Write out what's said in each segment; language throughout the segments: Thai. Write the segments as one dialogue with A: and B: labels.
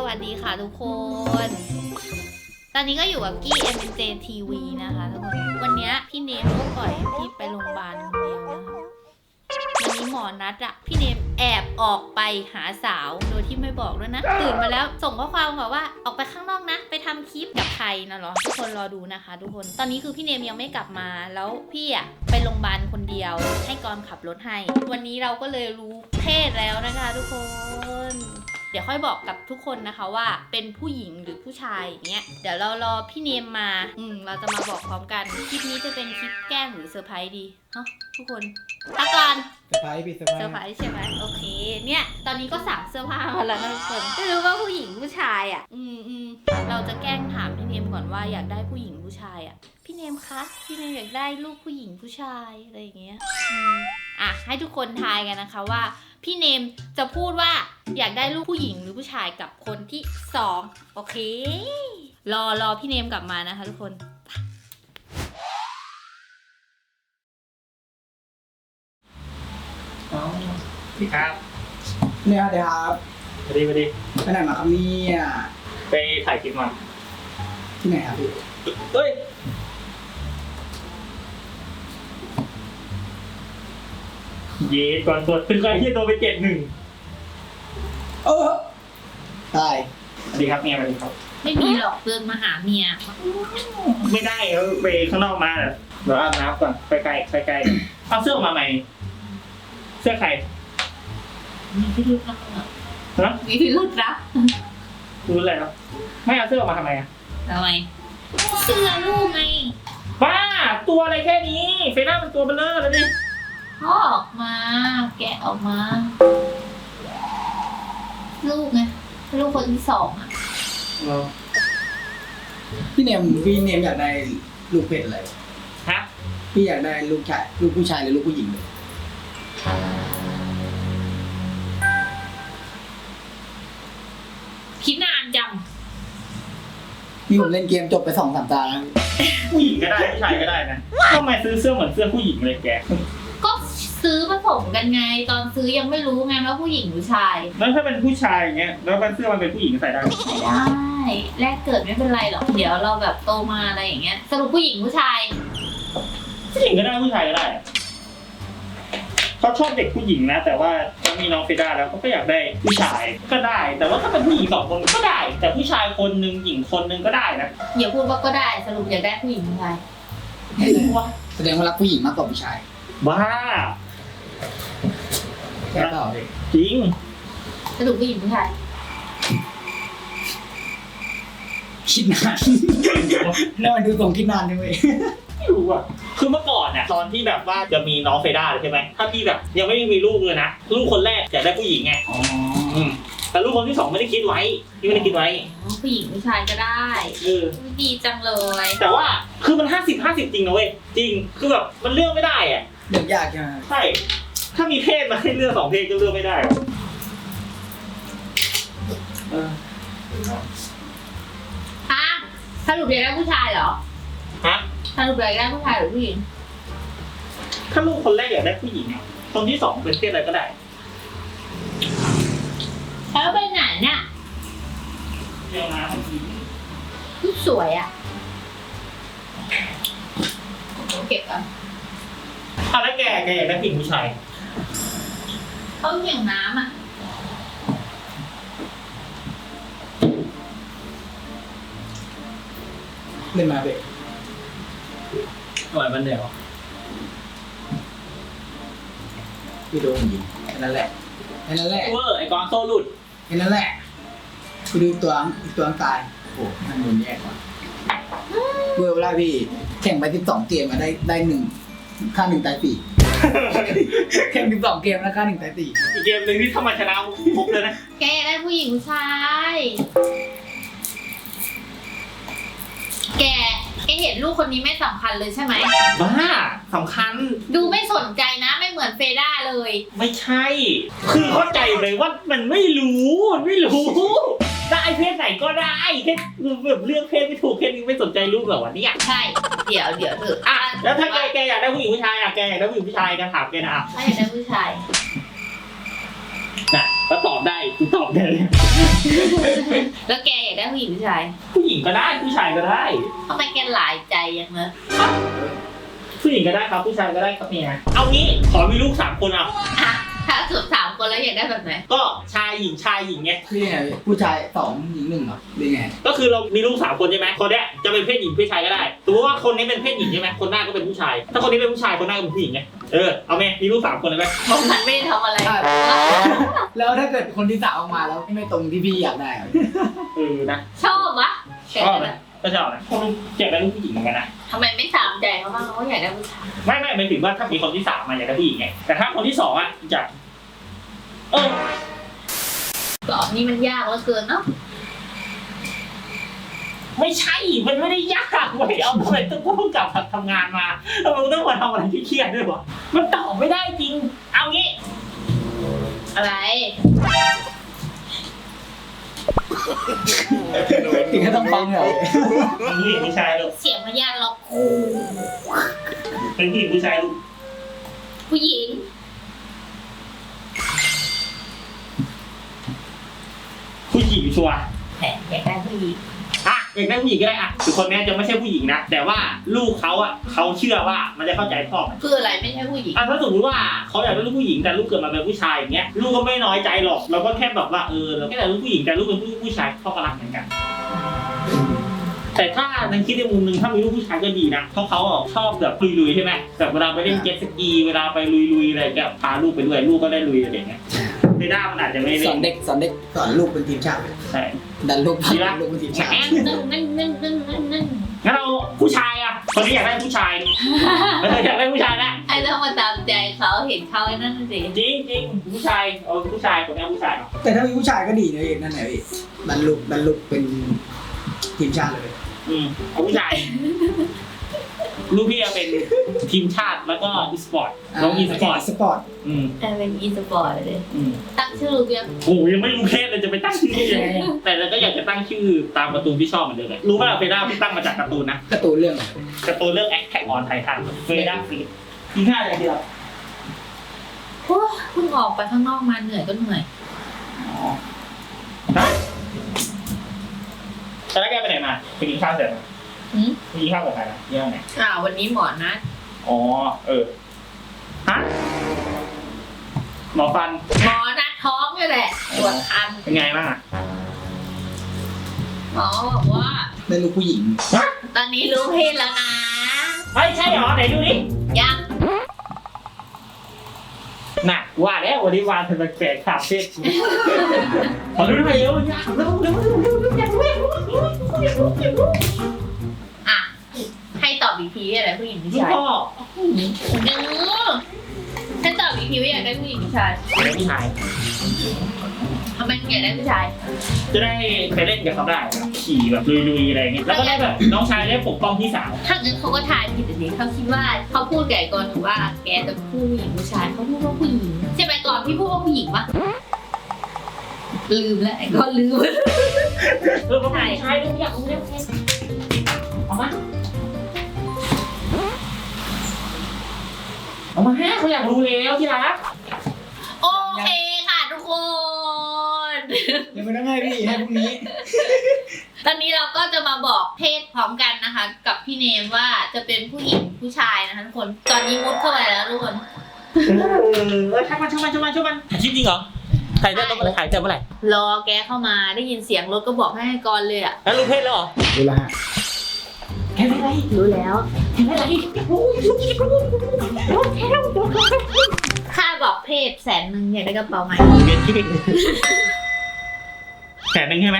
A: วัสดีค่ะทุกคน ตอนนี้ก็อยู่กับกี้ MNJ TV นะคะทุกคน วันนี้พี่เนมก็ปล่อยพี่ไปโรงพยาบาลคนเดียวนะคะวันนี้หมอนัดอะพี่เนมแอบออกไปหาสาวโดยที่ไม่บอกด้วยนะ ตื่นมาแล้วส่งข้อความบอกว่าออกไปข้างนอกนะไปทำคลิปกับใครนะเหรอทุกคนรอดูนะคะทุกคน ตอนนี้คือพี่เนมยังไม่กลับมาแล้วพี่อะไปโรงพยาบาลคนเดียวให้กรขับรถให้ วันนี้เราก็เลยรู้เพศแล้วนะคะทุกคน เดี๋ยวค่อยบอกกับทุกคนนะคะว่าเป็นผู้หญิงหรือผู้ชายอย่างเงี้ยเดี๋ยวเรารอพี่เนมมาเราจะมาบอกพร้อมกันคลิปนี้จะเป็นคลิปแกล้งหรือเซอร์ไพรส์ดีฮะทุกคนพักก่อน
B: เซอร์ไพรส์พี่เซอร์ไพร
A: เซอร์
B: ส์
A: ไพรส์ใช่ไหมโอเคเนี่ยตอนนี้ก็สั่งเสื้อผ้ามาแล้วนะทุกคนไม่รู้ว่าผู้หญิงผู้ชายอ่ะเราจะแกล้งถามพี่เนมก่อนว่าอยากได้ผู้หญิงผู้ชายอ่ะพี่เนมคะพี่เนมอยากได้ลูกผู้หญิงผู้ชายอะไรอย่างเงี้ยให้ทุกคนทายกันนะคะว่าพี่เนมจะพูดว่าอยากได้ลูกผู้หญิงหรือผู้ชายกับคนที่2โอเครอพี่เนมกลับมานะคะทุกคน
C: พี่ครับ
B: เนี่ยเดี๋ยวครับ
C: สวัสดี
B: ไปไหนมาครับเนี่ย
C: ไปถ่ายคลิปมา
B: ที่ไหนครับพี่
C: เฮ้ยเย้ก่อนตรวจเป็นใครที่ตัวไป71
B: ตาย
C: สวัสดีครับเมียสวัสดีครับ
A: ไม่มีหรอกเดินมาหาเมีย
C: ไม่ได้เขาไปข้างนอกมาเดี๋ยวอาบน้ำก่อนไปไกลเอาเสื้อมาใหม่เสื้อใคร
A: มีพิรุธนะ
C: ฮะ
A: มีพิรุธนะ
C: รู้อะไรครับไม่เอาเสื้อออกมาทำไมอ่ะ
A: ทำไมเสื้อลูกไง
C: บ้าตัวอะไรแค่นี้เฟน่าเป็นตัวเบลเลอร์แล้วนี่
A: พ่อออกมาแกะออกมาลูกไงลูกคนที่2อ่ะ
B: พี่เนมอยากได้ลูกเพศอะไร
C: ฮะ
B: พี่อยากได้ลูกผู้ชายหรือลูกผู้หญิงเลย
A: คิดนานจัง
B: นี่ผมเล่นเกมจบไป2-3 ตาแล้ว
C: ผู้หญิงก็ได้ผู้ชายก็ได้นะทำไมซื้อเสื้อเหมือนเสื้อผู้หญิงเลยแก
A: ก็ซื้อผสมกันไงตอนซื้อยังไม่รู้ไงว่าผู้หญิงหรือชาย
C: แล้วถ้าเป็นผู้ชายอย่างเงี้ยแล้วเสื้อมันเป็นผู้หญิงใส่ได้ไหม
A: ใส่ได้แรกเกิดไม่เป็นไรหรอกเดี๋ยวเราแบบโตมาอะไรอย่างเงี้ยสรุปผู้หญิงผู้ชาย
C: ผู้หญิงก็ได้ผู้ชายก็ได้เขาชอบเด็กผู้หญิงนะแต่ว่าเขามีน้องเฟด้าแล้วก็อยากได้ผู้ชายก็ได้ แต่ว่าถ้าเป็นผู้หญิง2 คนก็ได้ แต่ผู้ชายคนนึงหญิงคนนึงก็ได้นะ
A: อย่าพูดว่าก็ได้สรุปอยากได้ผู้หญิงผู้ชาย
B: แสดงว่ารักผู้หญิงมากกว่าผู้ชาย
C: บ้า
B: แค่เปล่าเลย
C: จริง
A: สรุปผู้หญิงผู้ชาย
B: คิดนานแล้วมันดูทรงคิดนานจังเลย
C: ไม่รู้อ่ะคือเมื่อก่อนเนี่ยตอนที่แบบว่าจะมีน้องเฟด้าใช่ไหมถ้าพี่แบบยังไม่มีลูกเลยนะลูกคนแรกอยากได้ผู้หญิงไง
B: อ๋อ
C: แต่ลูกคนที่ 2ไม่ได้คิดไว้พี่ไม่ได้คิดไว้
A: ผู้หญิงผู้ชายก็ได้ ดีจังเลย
C: แต่ว่าคือมัน50-50จริงนะเว้ยจริงคือแบบมันเลือกไม่ได้อ่ะ
B: เรื่องยากใช่ไหม
C: ใช่ถ้ามีเพศมาให้เลือก2 เพศก็เลือกไม่ได้หรอก
A: สรุปอยากได้ผู้ชายเหรอ
C: ฮะ
A: สรุปอยากได้ผู้ชายหรือผู้หญิง
C: ถ้าลูกคนแรกอยากได้ผู้หญิงคนที่ 2เป็นเพศอะไรก็ได้
A: แล้วไปไหนเนี่ย
C: เรื่องนะ
A: สวยอ่ะเก็บก่อน
C: แล้วแกอยากได้ผู้หญิงผู้ชาย
A: เขาเหี่ยวน้ำอ่ะ
B: เล่นมาเบะ
C: หน่อยมันเดียว
B: พี่โดนผู้หญิงแค่นั้นแหละ
C: เวอร์ไอ้กองโซ่หลุด
B: แค่นั้นแหละไปดูตัวตายโอ้ท่านโดนแยกว่ะเวอร์เวลาพี่แข่งไป12 เกมมาได้1 ฆ่า 1 ตาย 4 แข่ง12 เกมแล้วฆ่า 1 ตาย 4
C: อีกเกมหนึ่งที่ถ้ามาชนะปุ๊บเลยนะ
A: แกอยากได้ผู้หญิงผู้ชายแกเห็นลูกคนนี้ไม่สำคัญเลยใช่ไหม
C: บ้าสำคัญ
A: ดูไม่สนใจนะไม่เหมือนเฟด้าเลย
C: ไม่ใช่ คือเข้าใจเลยว่ามันไม่รู้ได้เพศไหนก็ได้แค่แบบเลือกเพศไม่ถูกแค่นี้ไม่สนใจลูกเหรอวะเนี่ย
A: ใช่เดี๋ยวเถอะ
C: แล้วถ้าแกอยากได้ผู้หญิงผู้ชายแกอยากได้ผู้หญิงผู้ชายกันถามแกนะ
A: ถ้าอยากได้ผู้ชาย
C: น่ะก็ตอบได้กูตอบได้เลย
A: แล้วแกอยากได้ผู้หญิงผู้ชาย
C: ผู้หญิงก็ได้ผู้ชายก็ได้
A: ทำไมแกหลายใจอย่างนั้น
C: ผู้หญิงก็ได้ครับผู้ชายก็ได้ครับเนี่ยเอางี้ขอมีลูก3 คนเอา
A: อ่ะถ้าสุด3 คนแล้วอยากได้แบบไหน
C: ก็ชายหญิงไง
B: คือยังไงพี่ผู้ชาย2หญิง1เหรอหรือไง
C: ก็คือเรามีลูก3 คนใช่ไหมคนเนี้ยจะเป็นเพศหญิงเพศชายก็ได้สมมติว่าคนนี้เป็นเพศหญิงใช่ไหมคนหน้าก็เป็นผู้ชาย ถ้าคนนี้เป็นผู้ชายคนหน้าก็เป็นผู้หญิงไงเอาไหมมีลูก3 คนเลยไหม
A: เพราะมันไม่ได้ทำอะไร
B: แล้วถ้าเกิดคนที่สามออกมาแล้วไม่ตรงที่พี่อยากได้อะ
C: นะ
A: ชอบวะแก
C: ชอบ
A: จะ
C: นะก็ชอบนะคนอยากได้ลูกผู้หญิงเหมือนกันนะ
A: ทำไมไม่สามใจเขาบ้างเขาอยากได้ผู้ชาย
C: ไม่หมายถึงว่าถ้ามีคนที่3มาอยากได้ผู้หญิงไงแต่ถ้าคนที่2อ่ะจะ
A: ตอบนี่มันยากเหลือเกินเนาะ
C: ไม่ใช่มันไม่ได้ยากเว้ยเอาทำไมต้องพูดกลับทำงานมาทำไมต้องมาทำอะไรที่เครียดด้วยวะมันตอบไม่ได้จริงเอางี้
A: อะไร
B: ถึงก็ต้องฟังเหรอ
C: เป็นผู้หญิงผู้ชายลูก
A: เสียงพยานล็อก
C: เป็นผู้หญิงผู้ชายลูก
A: ผู้หญิง
C: ผู้หญิงชัวร์
A: แหมอยากได้ผู้หญิง
C: อ่ะอยากได้ผู้หญิงก็ได้อ่ะคือคนนี้จะไม่ใช่ผู้หญิงนะแต่ว่าลูกเขาอ่ะเขาเชื่อว่ามันจะเข้าใจพ่อมัน
A: คืออะไรไม่ใช่ผู้หญิง
C: อ่ะถ้าสมมติว่าเขาอยากได้ลูกผู้หญิงแต่ลูกเกิดมาเป็นผู้ชายอย่างเงี้ยลูกก็ไม่น้อยใจหรอกเราก็แค่แบบว่าเราแค่แต่ลูกผู้หญิงแต่ลูกเป็นผู้ชายพ่อก็รักเหมือนกัน แต่ถ้าในคิดในมุมหนึ่งถ้ามีลูกผู้ชายก็ดีนะเพราะเขาชอบแบบลุยๆใช่ไหมแบบเวลาไปเล่นเจ็ตสกีเวลาไปลุยๆอะไรก็พาลูกไปด้วยลูกก็ได้ลุยอะไรอย่างเงี้ยในด้ามันอาจจะไม่
B: สอนเด็กสอนลูกเป็นทีมชาติ
C: ใช่
B: ดันลูกเป็นทีมชาติ
A: นึ่งนึ่ง
C: งั้นเราผู้ชายอ่ะคนนี้อยากได้ผู้ชายอยากได้ผู้ชายนะ
A: ไอ้ต้องมาตามใจเขาเห็นเขาไอ้นั่นสิ
C: จริงผู้ชายผู้ชายคนนี้ผู้ชาย
B: แต่ถ้ามีผู้ชายก็ดีนะเอกนั่นแหละพี่ดันลูกเป็นทีมชาติเลย
C: เอาผู้ชายลูกพี่จะเป็นทีมชาติแล้วก็อีสปอร์ตน้องอีสปอร์ต
B: สปอร์ต
A: เป็นอีสปอร์ตเลยตั้งชื่อลูกยัง
C: โอ้ยังไม่รู้เพศเลยจะไปตั้งชื่อยังไงแต่เราก็อยากจะตั้งชื่อตามการ์ตูนที่ชอบเหมือนเดิมเลยรู้ป่ะเฟด้าพี่ตั้งมาจากการ์ตูนนะ
B: การ์ตูนเรื่อง
C: การ์ตูนเรื่อง Attack on Titan เฟด้าฟรีกินข้าวอะไรดีเรา
A: โอ้เพิ่งออกไปข้างนอกมาเหนื่อยก็เหนื่อย
C: ตอนแรกแกไปไหนมาไปกินข้าวเสร็จไปกินข้าวกับใครนะเรื่องไหน
A: วันนี้หมอนัด
C: อ๋อฮะหมอฟัน
A: หมอนัดท้องนี่แหละตรวจคัน
C: เป็นไงบ้างอ่ะ
A: หมอบอกว่า
B: ได้ลูกผู้หญิง
A: ตอนนี้รู้เพศแล้วนะ
C: ไม่ใช่หรอไหนดูดิ
A: ยัง
C: น่ะว่าแล้ววันนี้วานเป็นแปลกๆถามเพศขอดูหน่อยเร็วอยากรู้อยากรู้
A: อ่ะให้ตอบอีกทีอะไรผู้หญิงผู้
C: ลูก
A: ชาย
C: พ่อ
A: ให้ตอบอีกทีว่าอยากได้ผู้หญิงผู้ชาย
C: เป็นผู้ชาย
A: ทำไมอยากได้ผู้ชาย
C: จะได้ไปเล่นกับเขาได้ขี่แบบลุยๆอะไรอย่างเงี้ยแล้วก็ได้แบบน้องชายได้ปกป้องพี่สาว
A: ถ้างั้นเขาก็ทายผิดสิเขาคิดว่าเขาพูดแก่ก่อนว่าแกจะพูดผู้หญิงผู้ชายเขาพูดว่าผู้หญิงใช่ไหมก่อนพี่พูดว่าผู้หญิงปะลืมแล้วไอ้ก็ลืม
C: เขาเป็นผู้ชายด้วยอยากรู้เรื่องเอามาเขาอยากรู้แล้วที่รัก
A: โอเคค่ะทุกคน
B: ยังไม่ต้องให้พี่ให้พรุ่งนี้
A: ตอนนี้เราก็จะมาบอกเพศพร้อมกันนะคะ กับพี่เนมว่าจะเป็นผู้หญิงผู้ชายนะคะทุกคนตอนนี้มุดเข้าไปแล้วทุกคน
C: ช่างมันถ่ายคลิปจริงเหรอถ่ายได้ต้องถ่ายแต่เมื่อไหร่
A: รอแกเข้ามาได้ยินเสียงรถก็บอกให้ก่อนเลยอ่ะ
C: แล้วรู้เพศแล้วเหรอ
B: ดูละฮะ
C: แค่ไม่ไร
A: รู้แล้วค่าบอกเพศ100,000อยากได้กระเป๋าใหม่
C: เรียนที่แสนหนึ่งใช่ไหม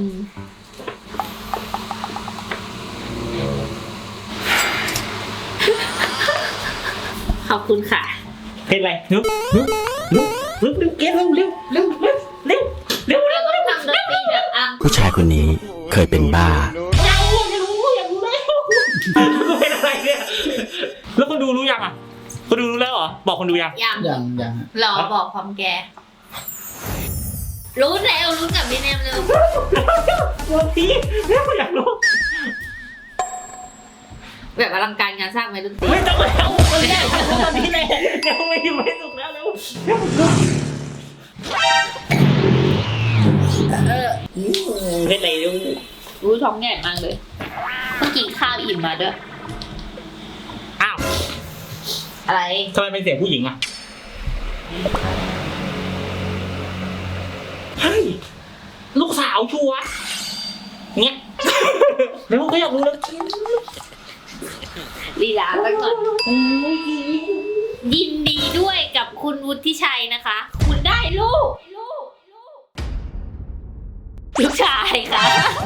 A: ขอบคุณค่ะ
C: เพศอะไรนุ๊กเก็บเร็ว
A: เราต้องทำดนตรีแบบอ่ะ
D: ผู้ชายคนนี้เคยเป็นบ้า
C: อยากรู้แล้วเป็นอะไรเนี่ยแล้วคนดูรู้ยังอ่ะคนดูรู้แล้วเหรอบอกคนดูยัง
B: ยังฮะ
A: รอบอกพร้อมแก รู้แล้วรู้กับพี่เนมเลย
C: วันที่อยากรู้
A: แบบอลังการงานสร้างไหมดนตรี
C: ไม่ต้องแล้วคนแรกตอนนี้เลยเดี๋ยวไม่สุกแล้วเร็วเล่นอะไรลูก
A: รู้ท้องใหญ่มากเลยเมื่อกี้ข้าวอิ่มมาด้วย
C: อ้าว
A: อะไร
C: ทำไมเป็นเสียงผู้หญิงอ่ะเฮ้ยลูกสาวชัวร์เนี่ย แล้วก็อยากรู้แล้ว
A: ลีลาไปก่อนยินดีด้วยกับคุณวุฒิชัยนะคะ คุณได้ลูกชายค่ะ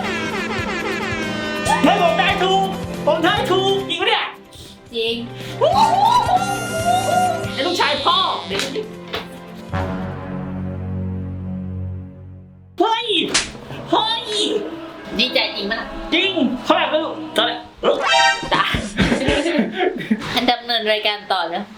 C: ไม่ผมได้ถูกผมได้ถูกจริงปะเนี่ย
A: จริง
C: ไอ้ลูกชายพ่อเฮ้ยเฮ้ย
A: ดีใจจริงมั้ย
C: จริงเขาแบบไม่รู้ตอนแรก
A: ตาดำเนินรายการต่อแล้ว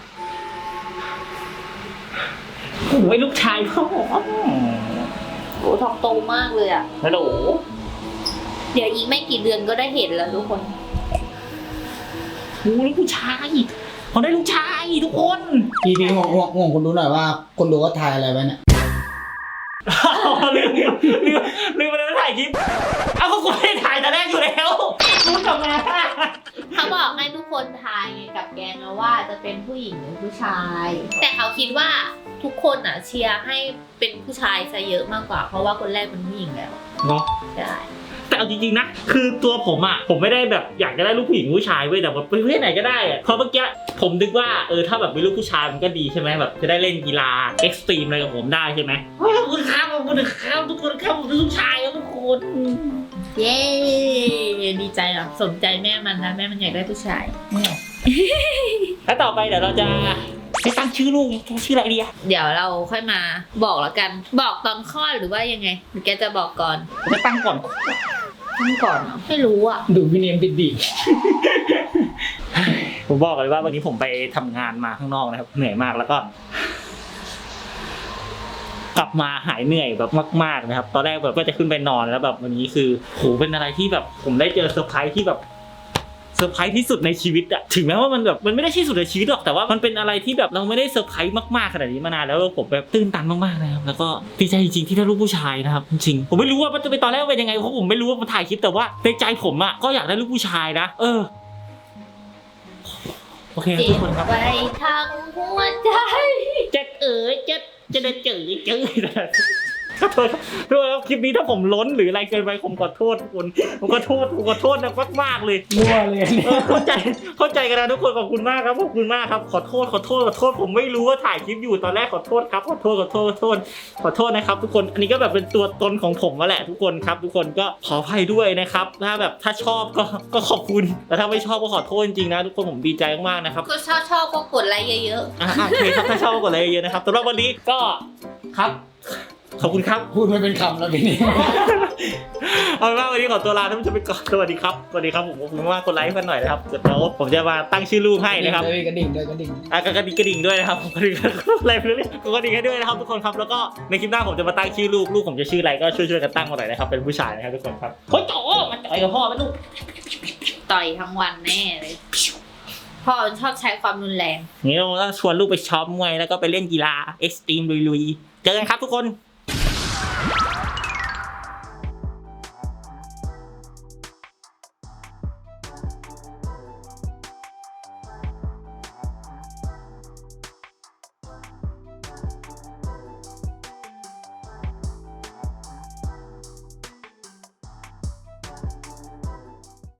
C: โอ้ยลูกชายพ่อ
A: โอ้ท้องโตมากเลยอ่ะ
C: ฮัลโหล
A: เดี๋ยวอีกไม่กี่เดือนก็ได้เห็นแล้วทุกคน
C: โอ้ลูกชายเขาได้ลูกชายทุกคน
B: พี่ห่วงคนดูหน่อยว่าคนดูก็ทายอะไรไว้เนี่ย
C: ลืมไปแล้วถ่ายคลิปเอาก็กูไม่ได้ถ่ายแต่แรกอยู่แล้วรู้ทำไม
A: เขาบอกให้ทุกคนทายไงกับแกงนะว่าจะเป็นผู้หญิงหรือผู้ชาย แต่เขาคิดว่าทุกคนอ่ะเชียร์ให้เป็นผู้ชายซะเยอะมากกว่า เพราะว่าคนแรกเป็นผู้หญิงแล้ว
C: เนาะ
A: ใช่
C: แต่เอาจริงๆนะคือตัวผมอ่ะผมไม่ได้แบบอยากจะได้ลูกผู้หญิงผู้ชายเว้ยแต่แบบประเภทไหนก็ได้อะเพราะเมื่อกี้ผมนึกว่าถ้าแบบมีลูกผู้ชายมันก็ดีใช่ไหมแบบจะได้เล่นกีฬาเอ็กซ์ตรีมอะไรกับผมได้ใช่ไหมขอบคุณครับขอบคุณครับทุกคนครับผมเป็นลูกชายครับทุกคน
A: เย้ดีใจอ่ะสนใจแม่มันนะแม่มันอยากได้ผู้ชาย
C: แล้วต่อไปเดี๋ยวเราจะให้ตั้งชื่อลูกชื่ออะไรดีอะ
A: เดี๋ยวเราค่อยมาบอกแล้วกัน บอกตอนคลอดหรือว่ายังไงหรือแกจะบอกก่อน
C: จะตั้งก่อน
A: ตั้งก่อนเหรอไม่รู้อ่ะ
B: ดูพี่เนมดี
C: ผมบอกเลยว่าวันนี้ผมไปทำงานมาข้างนอกนะครับเหนื่อยมากแล้วก็ กลับมาหายเหนื่อยแบบมากๆนะครับตอนแรกแบบก็จะขึ้นไปนอนแล้วแบบวันนี้คือโหเป็นอะไรที่แบบผมได้เจอเซอร์ไพรส์ที่แบบเซอร์ไพรส์ที่สุดในชีวิตอะถึงแม้ว่ามันแบบมันไม่ได้ที่สุดในชีวิตหรอกแต่ว่ามันเป็นอะไรที่แบบเราไม่ได้เซอร์ไพรส์มากๆขนาดนี้มานานแล้วผมแบบตื่นตันมากๆนะครับแล้วก็ดีใจจริงๆที่ได้ลูกผู้ชายนะครับจริงๆผมไม่รู้ว่ามันจะเป็นตอนแรกเป็นยังไงเพราะผมไม่รู้ว่ามันถ่ายคลิปแต่ว่าในใจผมอะก็อยากได้ลูกผู้ชายนะโอเคครับ
A: เจ็
C: ทุ
A: บ
C: กคนครับ
A: ไปทั้งหัวใจ
C: เจ็ดจะได้เจอขอโทษครับคลิปนี้ถ้าผมล้นหรืออะไรเกินไปผมขอโทษทุกคนผมขอโทษนะมากๆเลย
B: ๆรั่วเลยเนี่ย
C: เข้าใจกันนะทุกคนขอบคุณมากครับขอบคุณมากครับขอโทษผมไม่รู้ว่าถ่ายคลิปอยู่ตอนแรกขอโทษครับขอโทษนะครับทุกคนอันนี้ก็แบบเป็นตัวตนของผมมาแหละทุกคนครับทุกคนก็ขออภัยด้วยนะครับถ้าชอบก็ขอบคุณแต่ถ้าไม่ชอบก็ขอโทษจริงๆนะทุกคนผมดีใจมากๆนะครับ
A: ก็ชอบก็กดไลค์เยอะ
C: โอเคครับถ้าชอบก็กดไลค์เยอะๆนะครับสำหรับวันนี้ก็ครับขอบคุณครับ
B: พูดไม่เป็นคำแล้วพี่เนม
C: เอาเป็นว่าวันนี้ขอตัวลาท่านผู้ชมไปก่อนสวัสดีครับผมขอบคุณมากกดไลค์กันหน่อยนะครับเดี๋ยวผมจะมาตั้งชื่อลูกให้นะครับ
B: กระดิ่งด้วยกระดิ่ง
C: กระดิ่งด้วยนะครับกระดิ่งอะไรเพื่อนกระดิ่งให้ด้วยนะครับทุกคนครับแล้วก็ในคลิปหน้าผมจะมาตั้งชื่อลูกผมจะชื่ออะไรก็ช่วยกันตั้งมาหน่อยนะครับเป็นผู้ชายนะครับทุกคนครับโอ้ยโตมาจ่อยกับพ่อไหมลูก
A: ๆต่อยทั้งวันแน่เลยพ่อชอบใช้ความรุนแรง
C: นี่เราชวนลูกไปช็อปมวยแล้วก็ไปเล่นกีฬาเอ็กซ์ตรีมลุยๆเจอกันครับทุกคน